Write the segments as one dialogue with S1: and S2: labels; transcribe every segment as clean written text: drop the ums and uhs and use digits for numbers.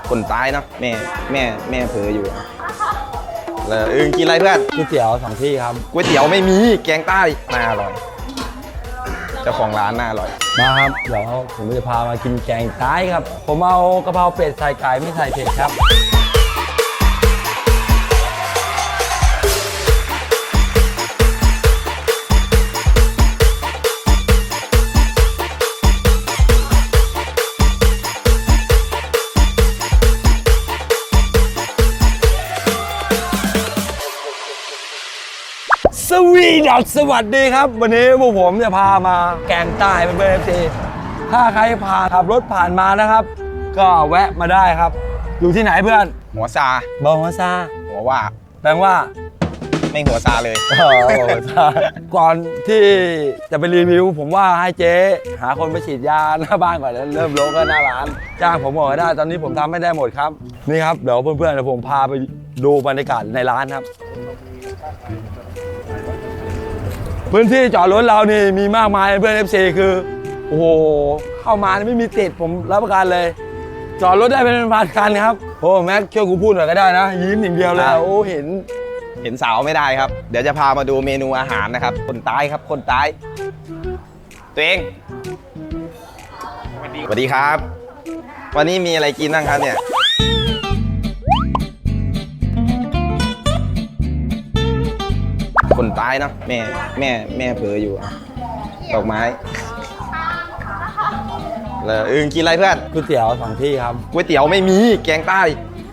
S1: คนตายเนาะแม่เผลออยู่แล้วกินอะไรเพื่อน
S2: ก๋วยเตี๋ยว2 ที่ครับ
S1: ก๋วยเตี๋ยวไม่มีแกงใต้น่าอร่อยเจ้าของร้านน่าอร่อย
S2: มาครับเดี๋ยวผมจะพามากินแกงใต้ครับผมเอากะเพราเป็ดใส่ไก่ไม่ใส่เผ็ดครับสวัสดีครับวันนี้พวกผมจะพามาแกงใต้เป็นเบอร์ซีถ้าใครขับรถผ่านมานะครับก็แวะมาได้ครับอยู่ที่ไหนเพื่อน
S1: หัวซา
S2: หัวซา
S1: หัวว่า
S2: แปลว่า
S1: ไม่หัวซาเลย
S2: หัวซาก่อนที่จะไปรีวิวผมว่าให้เจ๊หาคนไปฉีดยาหน้าบ้านก่อนแล้วเริ่มโลก็หน้าร้านจ้างผมบอกได้ตอนนี้ผมทำไม่ได้หมดครับนี่ครับเดี๋ยวเพื่อนๆเดี๋ยวผมพาไปดูบรรยากาศในร้านครับพื้นที่จอดรถเรานี่มีมากมายเพื่อน FC คือโอ้โหเข้ามาไม่มีติดผมรับประกันเลยจอดรถได้เป็นพันคันครับโอ้แม็กช่วยกูพูดหน่อยก็ได้นะยิ้มอย่างเดียวเลยโอ้เห็น
S1: สาวไม่ได้ครับเดี๋ยวจะพามาดูเมนูอาหารนะครับคนใต้ครับคนใต้ตัวเองสวัสดีครับวันนี้มีอะไรกินบ้างครับเนี่ยคนตายเนาะแม่เผลออยู่ดอกไม้แล้วกินอะไรเพื่อน
S2: ก๋วยเตี๋ยว2 ที่ครับ
S1: ก๋วยเตี๋ยวไม่มีแกงใต้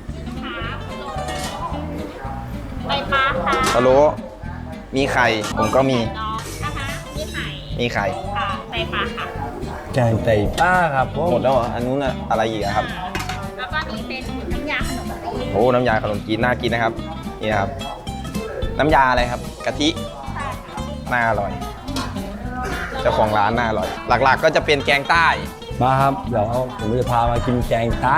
S3: ไตปลาค่ะ
S1: พะโล้มีไข่ผมก็มีมีไข่
S3: ค่ะไตปลาค่ะ
S2: แกงไตปลาครับ
S1: หมดแล้วเหรออันนู้นอะไรอีกครับ
S3: แล้วก็นี่เป็นน้ำยาขนมจีน
S1: โอ้น้ำยาขนมจีนน่ากินนะครับนี่ครับน้ำยาอะไรครับกะทิน่าอร่อยเจ้าของร้านน่าอร่อยหลักๆก็จะเป็นแกงใต้
S2: มาครับเดี๋ยวผมจะพามากินแกงใต้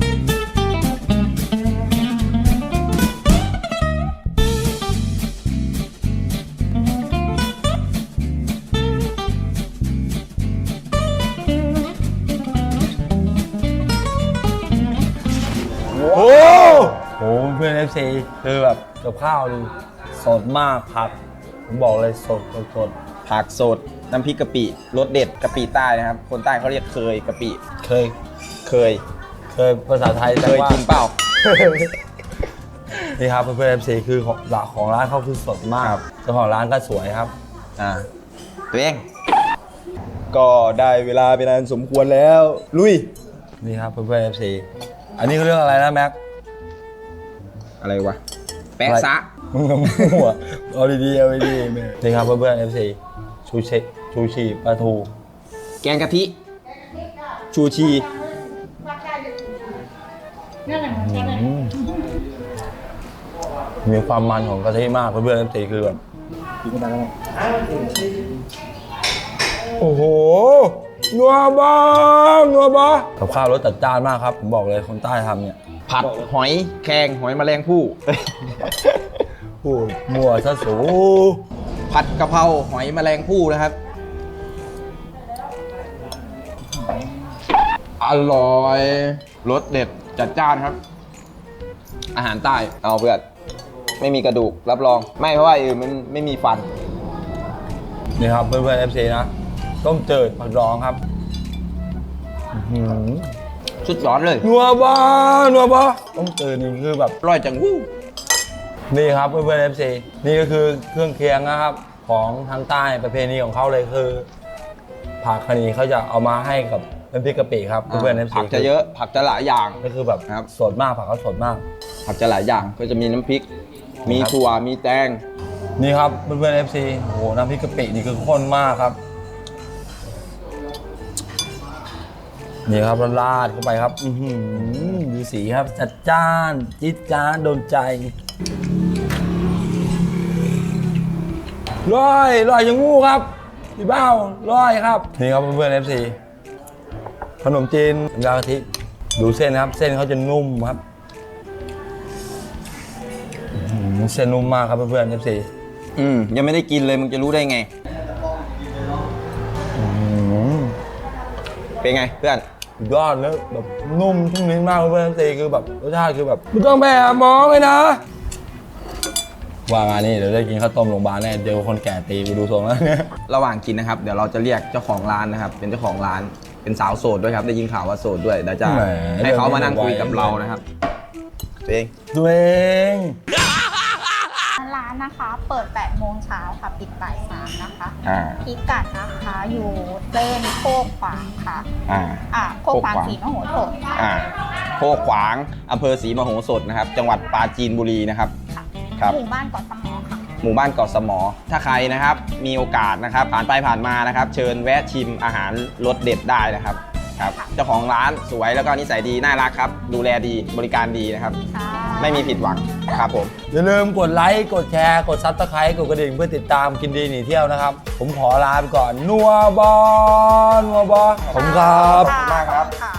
S2: โอ้โหเพื่อน FC คือแบบกับข้าวนี่สดมากครับผมบอกเลยสด
S1: ผักสดน้ำพริกกะปิรสเด็ดกะปิใต้นะครับคนใต้เขาเรียกเคยกะปิเคย
S2: ภาษาไทย
S1: เคยกินเปล่า
S2: นี่ครับเพื่อน FC คือของร้านเขาคือสดมากเจ้าของร้านก็สวยครับ
S1: ตัวเองก็ได้เวลาเป็นอันสมควรแล้วลุย
S2: นี่ครับเพื่อน FC อันนี้เขาเรื่องอะไรนะแม็ก
S1: อะไรวะแปะซะ
S2: มึงกับมั่วเอาดีนี่ครับเพื่อน FC ชูชีปลาทู
S1: แกงกะทิชูชี
S2: มีความมันของกะทิมากเพื่อน FC คือแบบโอ้โหนัวบ้ากับข้าวรสจัดจ้านมากครับผมบอกเลยคนใต้ทำเนี่ย
S1: ผัดหอยแครงหอยแมลงภู่
S2: พูดมั่วซะสู
S1: ผัดกะเพราหอยแมลงภู่นะครับอร่อยรสเด็ดจัดจ้านครับอาหารใต้เอาเพื่อนไม่มีกระดูกรับรองไม่เพราะว่ามันไม่มีฟัน
S2: นี่ครับเพื่อน FC นะต้มจืดผักดองครับ
S1: ชุดร้อนเลย
S2: นัวบ้าต้มจืดนี่คือแบบ
S1: อร่อยจังวู้
S2: นี่ครับเพื่อน FC นี่ก็คือเครื่องเคียงนะครับของทางใต้ประเพณีของเขาเลยคือผักคณีเขาจะเอามาให้กับน้ำพริกกะปิครับเพื่อน FC
S1: ผักจะเยอะผักจะหลายอย่าง
S2: ก็คือแบบสดมากผักเขาสดมาก
S1: ผักจะหลายอย่างก็จะมีน้ำพริกมีถั่วมีแตง
S2: นี่ครับเพื่อน FC โอ้โหน้ำพริกกะปินี่คือข้นมากครับนี่ครับราดเข้าไปครับดูสีครับจัดจ้านจิ๊ดจ้านโดนใจร้อยอย่างงูครับพี่เบ้าร้อยครับนี่ครับเพื่อน FC ขนมจีนยากะทิดูเส้นครับเส้นเขาจะนุ่มครับเส้นนุ่มมากครับเพื่อน FC
S1: ยังไม่ได้กินเลยมึงจะรู้ได้ไงเป็นไงเพื่อน
S2: สุดยอดแล้วแบบนุ่มชุ่มลิ้นมากเพื่อนๆ FC คือแบบรสชาติคือแบบไม่ต้องไปหาหมอเลยนะว่ามานี่เดี๋ยวได้กินข้าวต้มโรงพยาบาลแน่เจอคนแก่ตีกูดูทรงแล้วเนี่ย
S1: ระหว่างกินนะครับ เดี๋ยวเราจะเรียกเจ้าของร้านนะครับ เป็นเจ้าของร้านเป็นสาวโสดด้วยครับได้ยินข่าวว่าโสดด้วยเดี๋ยวจะ
S2: แหม
S1: ให้เขามานั่งคุยกับเรานะครับตัวเอง
S2: ตัวเอง
S3: ร้านนะคะเปิด8โมงเช้าค่ะปิดบ่าย3นะคะ
S1: อ่า
S3: พิกัดนะคะอยู่เส้นโคกขวางค่ะ โคกขวางศรีมโหสถค่ะ
S1: โคกขวางอำเภอศรีมโหสถนะครับ จังหวัดปราจีนบุรีนะครับ
S3: ค่ะ
S1: ครับ
S3: หมู่บ้านเกาะสมอค่ะ
S1: หมู่บ้านเกาะสมอ ถ้าใครนะครับ มีโอกาสนะครับ ผ่านไปผ่านมานะครับ เชิญแวะชิมอาหารรสเด็ดได้นะครับครับ เจ้าของร้านสวยแล้วก็นิสัยดีน่ารักครับ ดูแลดีบริการดีนะครับ
S3: ค่ะ
S1: ไม่มีผิดหวังครับผม
S2: อย่าลืมกดไลค์กดแชร์กดซับสไครต์กดกระดิ่งเพื่อติดตามกินดีหนีเที่ยวนะครับ ผมขอลาไปก่อนนัวบอนัวบอผมครับ
S1: ขอบคุณมากครับ
S3: ค่ะ